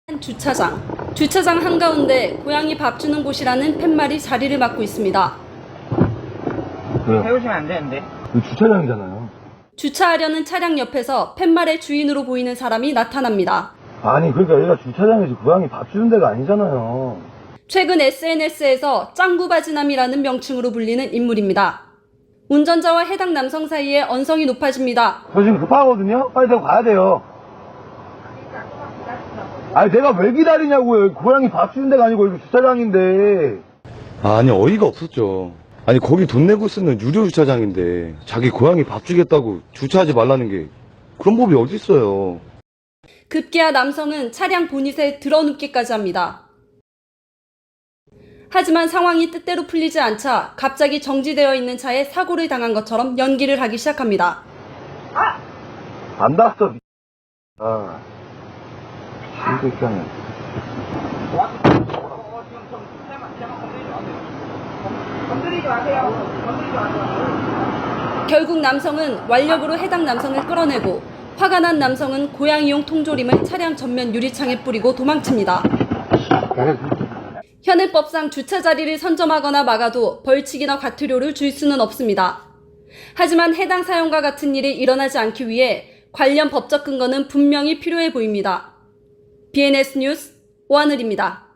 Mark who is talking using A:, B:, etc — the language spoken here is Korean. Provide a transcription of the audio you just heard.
A: 주차장 한가운데 고양이 밥 주는 곳이라는 팻말이 자리를 맡고 있습니다.
B: 왜요?
C: 세우시면 안 되는데.
B: 이거 주차장이잖아요.
A: 주차하려는 차량 옆에서 팻말의 주인으로 보이는 사람이 나타납니다.
B: 아니 그러니까 여기가 주차장이지 고양이 밥 주는 데가 아니잖아요.
A: 최근 SNS에서 짱구바지남이라는 명칭으로 불리는 인물입니다. 운전자와 해당 남성 사이에 언성이 높아집니다.
B: 저 지금 급하거든요? 빨리 내가 가야 돼요. 아니 내가 왜 기다리냐고요. 여기 고양이 밥 주는 데가 아니고 여기 주차장인데.
D: 아니 어이가 없었죠. 아니 거기 돈 내고 쓰는 유료 주차장인데 자기 고양이 밥 주겠다고 주차하지 말라는 게 그런 법이 어디 있어요.
A: 급기야 남성은 차량 보닛에 드러눕기까지 합니다. 하지만 상황이 뜻대로 풀리지 않자 갑자기 정지되어 있는 차에 사고를 당한 것처럼 연기를 하기 시작합니다.
B: 안 닿았어. 신기하네.
C: 건드리지 마세요. 건드리지 마세요.
A: 결국 남성은 완력으로 해당 남성을 끌어내고 화가 난 남성은 고양이용 통조림을 차량 전면 유리창에 뿌리고 도망칩니다. 현행법상 주차 자리를 선점하거나 막아도 벌칙이나 과태료를 줄 수는 없습니다. 하지만 해당 사연과 같은 일이 일어나지 않기 위해 관련 법적 근거는 분명히 필요해 보입니다. BNS 뉴스 오하늘입니다.